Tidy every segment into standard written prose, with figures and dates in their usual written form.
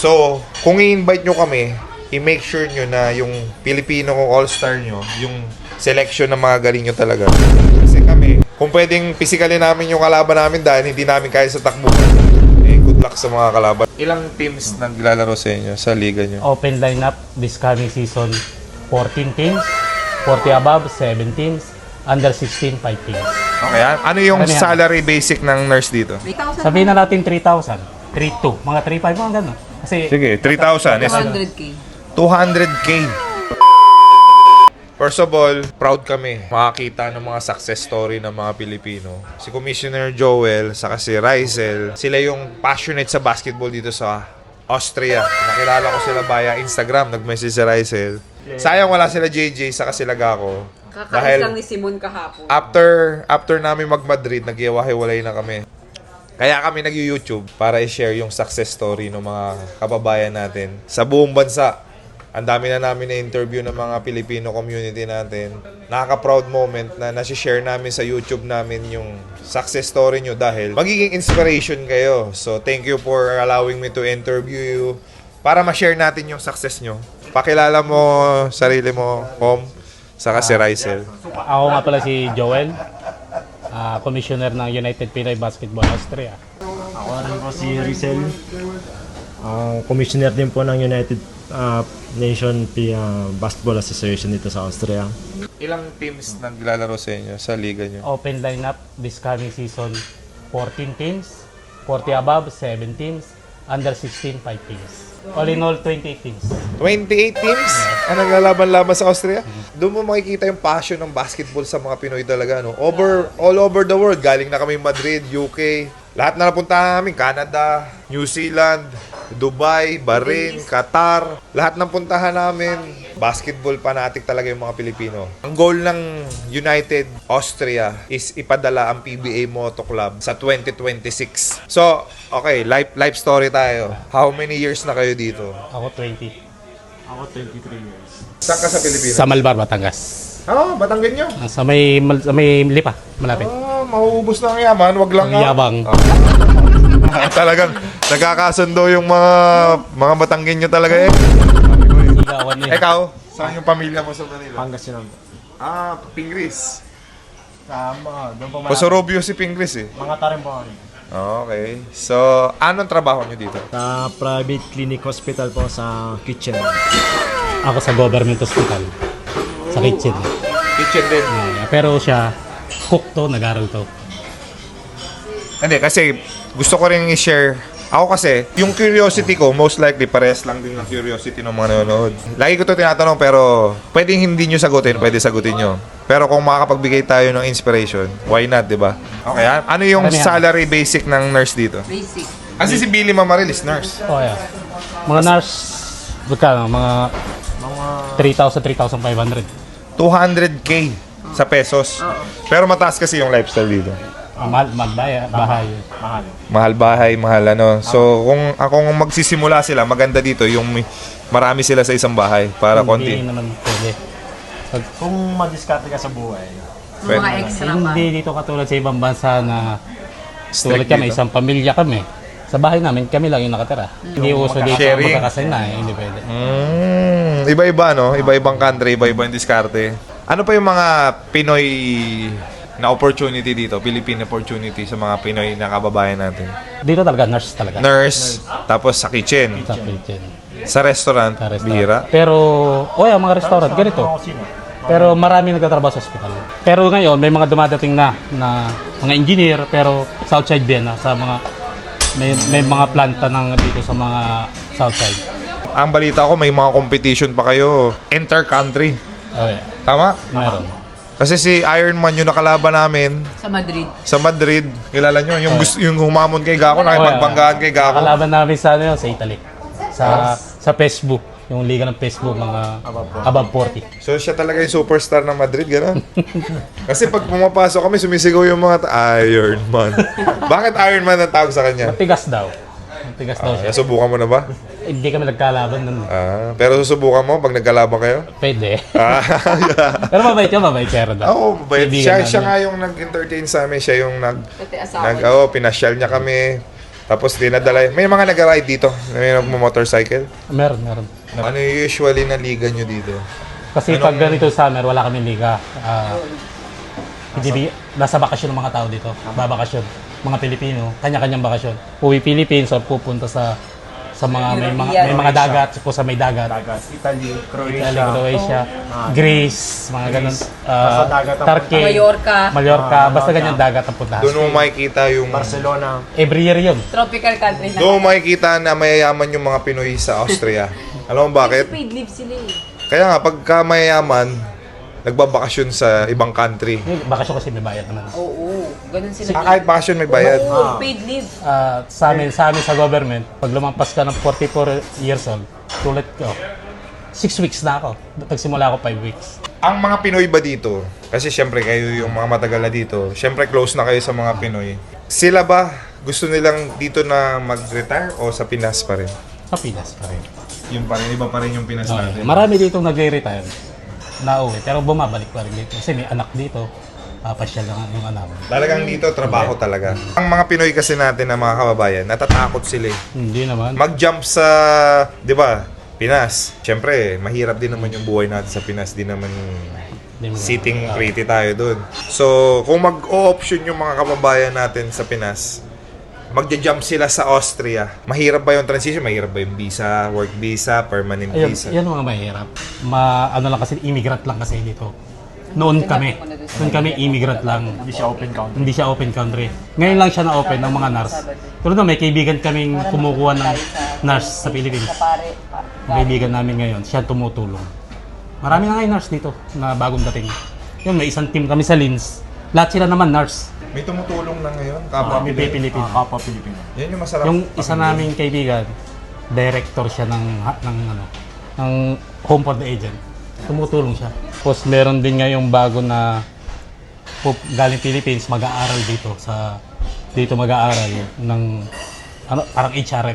So, kung i-invite nyo kami, i-make sure nyo na yung Pilipino kong all-star nyo, yung selection ng mga galing nyo talaga. Kasi kami, kung pwedeng physically namin yung kalaban namin dahil hindi namin kaya sa takbo, eh, good luck sa mga kalaban. Ilang teams naglalaro sa inyo, sa liga nyo? Open lineup this coming season, 14 teams, 40 above, 7 teams, under 16, 5 teams. Okay, ano yung Ano yan? salary basic ng nurse dito? 3,000. Sabihin na natin 3,000, 3,200, mga 3,500, mga gano'n. Kasi Sige, 3,000. 200K. 200K. First of all, proud kami makakita ng mga success story ng mga Pilipino. Si Commissioner Joel, saka si Rizel, sila yung passionate sa basketball dito sa Austria. Nakilala ko sila via Instagram, nag-message si Rizel. Sayang wala sila JJ, saka sila Gako. Kakaalis lang ni Simon kahapon. After namin mag-Madrid, nag-iwahiwalay na kami. Kaya kami nag-YouTube para i-share yung success story ng mga kababayan natin sa buong bansa. Ang dami na namin na-interview ng mga Filipino community natin. Nakaka-proud moment na nasi-share namin sa YouTube namin yung success story nyo dahil magiging inspiration kayo. So, thank you for allowing me to interview you para ma-share natin yung success nyo. Pakilala mo sarili mo, Pom, saka si Rizel. ako nga pala si Joel, commissioner ng United Pinoy Basketball Austria. Ako rin po si Rizel, commissioner din po ng United Nation Basketball Association dito sa Austria. Ilang teams naglalaro sa inyo, sa liga nyo? Open lineup this coming season, 14 teams, 40 above, 7 teams, under 16, 5 teams. All in all, 28 teams. 28 teams ang naglalaban-laban sa Austria. Doon mo makikita yung passion ng basketball sa mga Pinoy talaga. No? All over the world. Galing na kami Madrid, UK. Lahat na napunta namin. Canada, New Zealand, Dubai, Bahrain, Qatar. Lahat ng puntahan namin. Basketball fanatic talaga yung mga Pilipino. Ang goal ng United Austria is ipadala ang PBA Moto Club sa 2026. So, okay, life story tayo. How many years na kayo dito? Ako 20. Ako 23 years. Saan ka sa Pilipinas? Sa Malbar, Batangas. Batanggan nyo. Sa may Lipa, malapit. Mauubos na ang yaman, wag lang Ang yabang. Talagang nagkakasundo yung mga Batanggin nyo talaga eh. Sigawan eh. Ikaw, saan yung pamilya mo sa Manila? Pangasinan po. Pingris. Doon po Pasorobio si Pingris eh. mga tarim po kami. Okay. So, anong trabaho nyo dito? Sa private clinic hospital po sa kitchen. Ako sa government hospital. Sa kitchen. Kitchen din. Pero siya, cook to, nag-aral to. Hindi, kasi gusto ko rin i-share. Ako kasi, yung curiosity ko, most likely, parehas lang din ng curiosity ng mga nanonood. Lagi ko to tinatanong, pero pwedeng hindi nyo sagutin, pwede sagutin nyo. Pero kung makakapagbigay tayo ng inspiration, why not, di ba? Okay, ano yung Ano yan? salary basic ng nurse dito? Basic. Kasi si Billy Mamarilis, nurse. Oh, yeah. Mga nurse, magkano? Mga 3,000, 3,500. 200K sa pesos. Pero mataas kasi yung lifestyle dito. Mahal, bahay. Mahal. Mahal bahay, mahal ano. So, kung magsisimula sila, maganda dito yung marami sila sa isang bahay para konti. Hindi naman pwede. Kung madiskarte ka sa buhay, Pwede Mga naman. extra pa. Hindi dito katulad sa ibang bansa na Strict tulad kami, dito. isang pamilya kami. Sa bahay namin, kami lang yung nakatira. Hindi uso dito Sharing. magkakasay na eh, hindi pwede. Iba-iba, no? Iba-ibang country, iba-ibang diskarte. Ano pa yung mga Pinoy na opportunity dito? Philippine opportunity sa mga Pinoy na kababayan natin? Dito talaga, nurse talaga. Nurse, tapos sa kitchen. Sa kitchen. Sa restaurant, Sa restaurant. bihira. Pero, mga restaurant, ganito. Pero marami nagtatrabaho sa ospital. Pero ngayon, may mga dumadating na mga engineer, pero sa outside Vienna, sa mga, may mga planta ng dito sa mga south side. Ang balita ko, may mga competition pa kayo. Inter-country. Okay, Tama? meron. Kasi si Ironman yung nakalaban namin Sa Madrid. sa Madrid. Kilala nyo? Yung humamon kay Gako, nakipagbanggaan kay Gako. Nakalaban namin sa, sa Italy. Sa Facebook. Yung liga ng Facebook, mga above 40. So siya talaga yung superstar ng Madrid, gano'n? Kasi pag pumapasok kami, sumisigaw yung mga Iron Man. Bakit Iron Man ang tawag sa kanya? Matigas daw. Matigas daw siya. Subukan mo na ba? Hindi kami nagkalaban nun. Pero susubukan mo pag nagkalaban kayo? Pwede. Ah, Pero mabait pero daw. Oo, mabait. Kaibigan Siya namin. nga yung nag-entertain sa amin. Siya yung Pati asawa. pinasyal niya kami. Tapos dinadala, may mga nag-ride dito, may motorcycle. Meron. Ano yung usually na liga nyo dito? Kasi pag ganito summer, wala kaming liga. Nasa bakasyon ng mga tao dito. Babakasyon. Mga Pilipino, kanya-kanyang bakasyon. Uwi Philippines or pupunta sa mga may mga dagat, po sa may dagat. Italy, Italy, Croatia, Greece, mga ganun. Nasa dagat ang Turkey, Mallorca, basta ganyan dagat ang puntahan. Doon mo makikita yung... Barcelona. Every year yun. Tropical country na. Doon mo makikita na mayayaman yung mga Pinoy sa Austria. Alam mo bakit? Paid leave sila eh. Kaya nga, pagka mayayaman, nagbabakasyon sa ibang country. Yung bakasyon kasi may bayad naman. Oo, ganun sila. Kahit bakasyon may bayad. Oo, paid leave. Sa amin sa government, pag lumampas ka ng 44 years old, tulad ko, 6 weeks na ako. Nagsimula ako 5 weeks. Ang mga Pinoy ba dito, kasi syempre kayo yung mga matagal na dito, syempre close na kayo sa mga Pinoy. Sila ba gusto nilang dito na mag-retire o sa Pinas pa rin? Sa Pinas pa rin. Yung pa rin, iba pa rin yung Pinas natin. Marami dito nagre-retire na uwi, pero bumabalik pa rin dito. Kasi may anak dito, pasyal lang yung anak. Talagang dito, trabaho talaga. Ang mga Pinoy kasi natin na mga kababayan, natatakot sila eh. Hindi naman. Mag-jump sa, di ba, Pinas. Siyempre, mahirap din naman yung buhay natin sa Pinas. Di naman sitting pretty tayo dun. So, kung mag-o-option yung mga kababayan natin sa Pinas, magja-jump sila sa Austria. Mahirap ba yung transition? Mahirap ba yung visa, work visa, permanent Ayun, visa? yan mga mahirap. Ano lang kasi, immigrant lang kasi dito. Noon kami immigrant lang. Hindi siya open country. Hindi siya open country. Ngayon lang siya na-open ng mga nurse. Tulad na may kaibigan kaming kumukuha ng nurse sa Philippines. Ang kaibigan namin ngayon, siya tumutulong. Marami na ngayon nurse dito na bagong dating. Yun, may isang team kami sa Linz. Lahat sila naman nurse. May tumutulong na ngayon, kapwa May Pinoy. Pilipino. Kapwa Pilipino. Yan yung masarap. Yung isa naming kaibigan, director siya ng Home for the Aged. Tumutulong siya. Tapos meron din ngayong bago na galing Philippines mag-aaral dito mag-aaral ng parang HRM.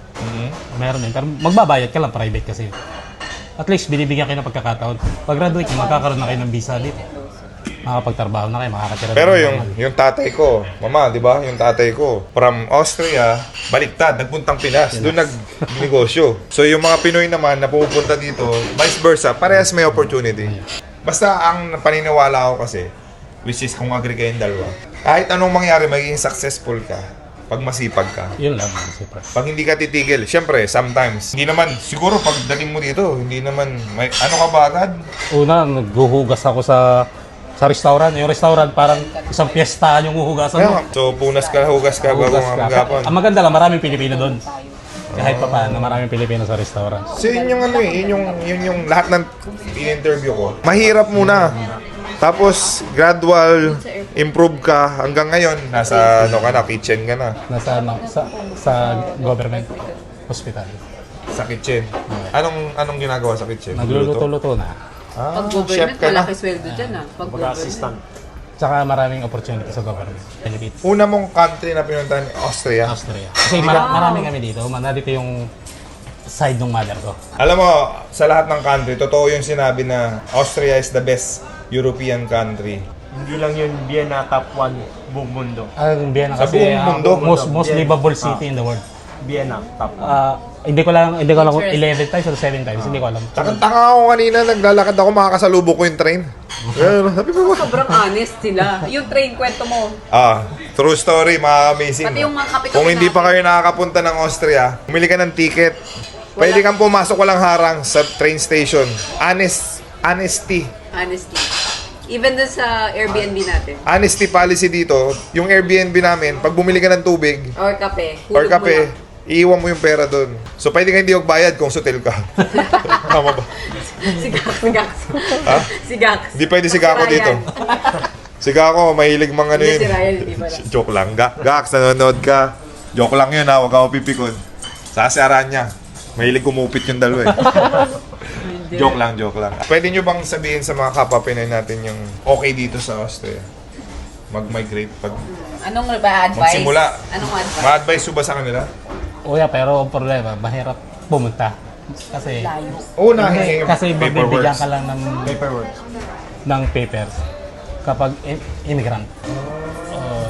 Meron din. Pero magbabayad ka lang, private kasi. At least binibigyan kayo ng pagkakataon. Pag graduate, magkakaroon na kayo ng visa dito. Makakapagtrabaho na kayo, makakatira Pero na kayo. yung tatay ko, mama, di ba? Yung tatay ko, from Austria, baliktad, nagpuntang Pinas. Doon nagnegosyo. So yung mga Pinoy naman na pupunta dito, vice versa, parehas may opportunity. Basta ang paniniwala ko kasi, which is kung agree kayong dalawa, kahit anong mangyari, magiging successful ka pag masipag ka. Yun lang, super. Pag hindi ka titigil, syempre, sometimes, hindi naman, siguro pagdating mo dito, hindi naman, may, ano ka ba agad? Una, naghuhugas ako sa restaurant. Yung restaurant parang isang piyesta yung huhugasan mo. So, punas ka, hugas ka, bago Hugas mga ka. magapon. Ang maganda lang, maraming Pilipino doon. Kahit pa paano, maraming Pilipino sa restaurant. So yun yung ano eh, yun yung lahat ng in-interview ko. Mahirap muna. Tapos gradual improve ka hanggang ngayon nasa ano ka na, kitchen ka na. Nasa sa government hospital. Sa kitchen. Anong ginagawa sa kitchen? Nagluluto-luto na. Pag chef government, ka na. malaki sweldo dyan ah. Pag government. Assistant. Tsaka maraming opportunity sa government. Benefits. Una mong country na pinuntahan, Austria. Austria. Kasi marami kami dito. Nandito yung side ng mother ko. Alam mo, sa lahat ng country, totoo yung sinabi na Austria is the best European country. Hindi lang yun, Vienna top 1 buong mundo. Ang Vienna Sa kasi buong mundo. most livable city in the world. Vienna top 1. Hindi ko lang kung 11 times or 7 times, hindi ko alam. Takang-taka ako kanina, naglalakad ako, makakasalubok ko yung train. Sabi ko, Sobrang honest sila. Yung train, kwento mo. true story, mga-amazing. Pati yung mga kape-kape Kung hindi pa natin. kayo nakakapunta ng Austria, bumili ka ng ticket. Pwede kang pumasok walang harang sa train station. Honesty. Honesty. Even dun sa Airbnb natin. Honesty policy dito, yung Airbnb namin, pag bumili ka ng tubig Or kape. or Hulog mo lang. kape, iiwan mo yung pera doon. So, pwede ka hindi magbayad kung hotel ka. Tama ba? Si Gax. Ha? Si Gax. Hindi pwede si Gako Ryan. dito. Si Gako, mahilig mga ano Hindi yun. si Ryan, hindi pala. Joke lang. Gax, nanonood ka. Joke lang yun ha, huwag ka mapipikon. Sasaran niya. Mahilig kumupit yung dalawa eh. Joke lang. Pwede nyo bang sabihin sa mga kapwa Pinoy natin yung okay dito sa Austria? Mag-migrate pag Anong ba advice? magsimula. Anong advice? Ma-advise mo ba sa kanila? Uya, pero ang problema, mahirap pumunta. Kasi Layo. Unahin yung kasi paperwork. magbibigyan ka lang Paperwork. ng papers kapag immigrant.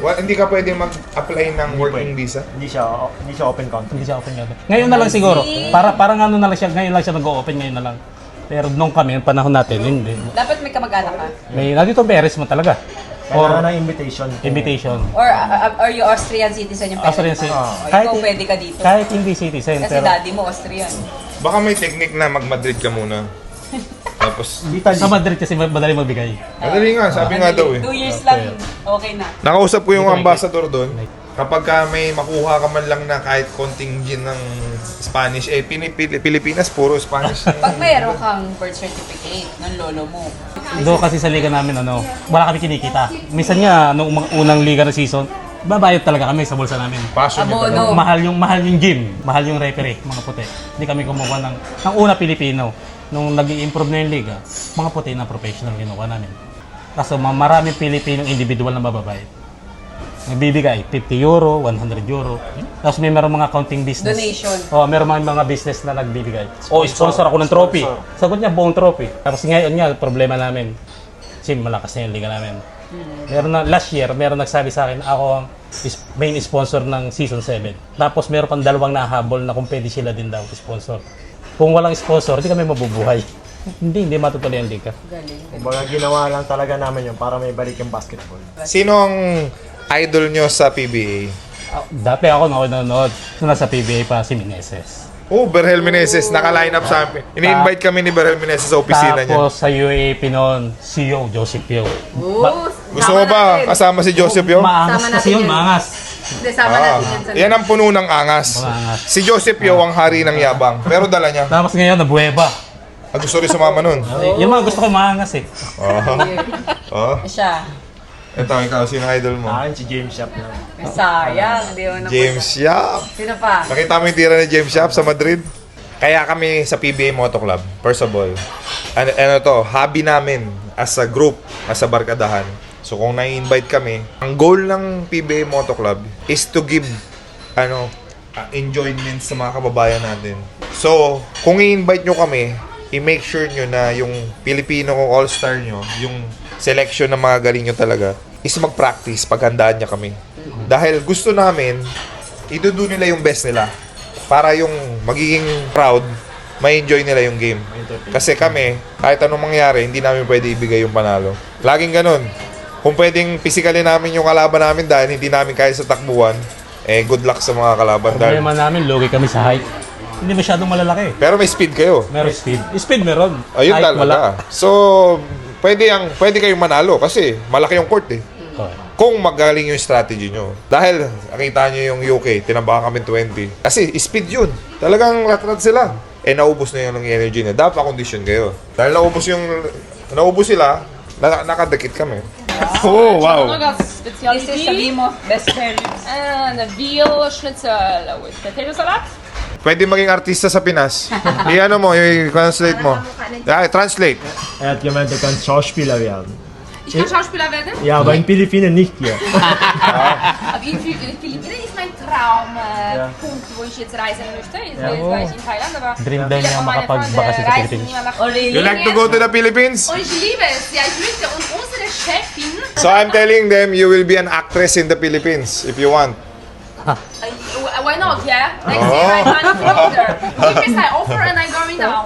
Hindi ka pwede mag-apply ng working visa? Hindi siya open country. Hindi siya open nga. Ngayon na lang siguro. Parang ano na lang siya, ngayon lang siya nag-o-open ngayon na lang. Pero nung kami, yung panahon natin, hindi. Dapat may kamag-anak ka. May, nandito beres mo talaga. Kailangan ng invitation. Invitation. Or are you Austrian citizen yung parents Austrian mo? citizen. O, ikaw pwede ka dito. Kahit hindi citizen. Kasi Pero daddy mo Austrian. Baka may technique na mag-Madrid ka muna. Tapos, Italy. sa Madrid kasi madali magbigay. madali nga, sabi nga daw eh. 2 years lang, okay na. Nakausap ko yung Dito may- ambassador doon. Kapag ka may makuha ka man lang na kahit konting gin ng Spanish, Pilipinas, puro Spanish. Pag mayroon kang birth certificate ng lolo mo, Doon kasi sa liga namin, wala kami kinikita. Minsan nga, nung unang liga na season, babayad talaga kami sa bulsa namin. Passion nyo talaga. abono. Mahal yung gym, mahal yung referee, mga puti. Hindi kami kumuha ng una Pilipino. Nung nag-i-improve na yung liga, mga puti na professional kinuha namin. Kaso maraming Pilipinong individual na mababayad. Nagbibigay 50 euro, 100 euro. Tapos may meron mga counting business. Donation. Oh, meron mga business na nagbibigay. Sponsor ako ng trophy. Sagot niya buong trophy. Tapos ngayon nga problema namin. Kasi malakas na yung liga namin. Meron na last year, meron nagsabi sa akin ako ang main sponsor ng season 7. Tapos meron pang dalawang nahabol na kung pwede sila din daw sponsor. Kung walang sponsor, di kami mabubuhay. hindi matutuloy ang liga. Kumbaga ginawa lang talaga namin yun para may balik yung basketball. Sino ang idol nyo sa PBA? Dati ako nanonood nung nasa PBA pa si Meneses. Oh, Berhel Meneses, naka-line up sa amin. Ini-invite kami ni Berhel Meneses sa opisina niya. Tapos sa UAAP noon, CEO Joseph Pio. Gusto mo ba kasama si Joseph yun? Maangas Sama kasi natin yun, yun. maangas. Hindi, sama natin yan sa Yan ang puno ng angas. Maangas. Si Joseph Yo ang hari ng yabang. Pero dala niya. Tapos ngayon, nabuweba. Gusto rin sumama nun. Yung mga gusto ko maangas eh. Oh. siya. Ito, ikaw, sino idol mo? Akin si James Shop na. Sayang, di mo na James Yap. Sino pa? Nakita mo yung tira ni James Yap sa Madrid? Kaya kami sa PBA Moto Club, first of all, ano to, hobby namin as a group, as a barkadahan. So kung na-invite kami, ang goal ng PBA Moto Club is to give enjoyment sa mga kababayan natin. So, kung i-invite nyo kami, i-make sure nyo na yung Filipino kong all-star nyo, yung selection ng mga galing nyo talaga, is mag-practice, paghandaan niya kami. Dahil gusto namin, idudo nila yung best nila. Para yung magiging proud, may enjoy nila yung game. Kasi kami, kahit anong mangyari, hindi namin pwede ibigay yung panalo. Laging ganun. Kung pwedeng physically namin yung kalaban namin dahil hindi namin kaya sa takbuhan, good luck sa mga kalaban. Dahil, Problema namin, logi kami sa height. Hindi masyadong malalaki. pero may speed kayo. Meron speed. Speed meron. Ayun Height, wala. talaga. So, pwede kayong manalo kasi malaki yung court eh. Okay. Kung magaling yung strategy nyo. Dahil, nakita nyo yung UK, tinambakan kami 20. Kasi, speed yun. Talagang rat-rat sila. Naubos na yun ng energy niya. Dapat condition kayo. Dahil naubos sila, nakadikit kami. Oh, wow. Много This is специалити. sabihin mo, best friend. Veal schnitzel with potato salad. Pwede maging artista sa Pinas. I-ano mo, i-translate mo. Translate. Er hat gemeint, er kann Schauspieler werden. Ich kann Schauspieler werden. Ja, aber in Philippinen nicht hier. Aber in Philippinen ist mein Traumpunkt, wo ich jetzt reisen möchte. Jetzt war ich in Thailand, aber Dream daw viele niya von meinen makapagbakasyon Freunden sa reisen Pilipinas. immer nach Oh, really? You like to go to the Philippines? Und ich liebe es. Ja, ich möchte. Und unsere Chefin, So I'm telling them you will be an actress in the Philippines if you want. why not, yeah? Next year I'm running further. Give me an offer and I'm going now.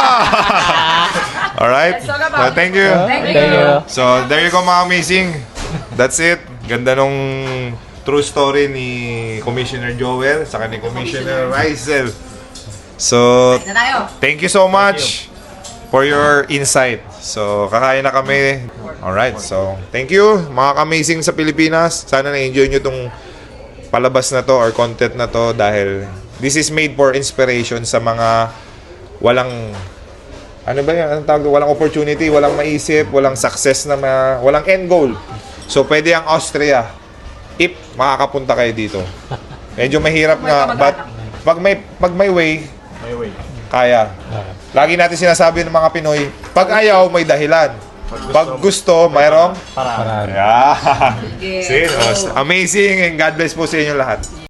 All right. That's all about So, thank you. Thank you. So, there you go mga amazing. That's it. Ganda nung true story ni Commissioner Joel saka ni Commissioner Rizel. So, Na tayo. thank you so much for your insight. So, kakain na kami. Alright, so, thank you mga amazing sa Pilipinas. Sana na-enjoy nyo tong palabas na to or content na to dahil this is made for inspiration sa mga walang anong tawag doon? Walang opportunity, walang maisip, walang success na walang end goal. So pwede ang Austria if makakapunta kayo dito. Medyo mahirap nga but pag may way, May way. kaya. Lagi natin sinasabi ng mga Pinoy, pag ayaw may dahilan. Pag gusto, mayroong Para. yeah. See? Amazing and God bless po sa inyo lahat.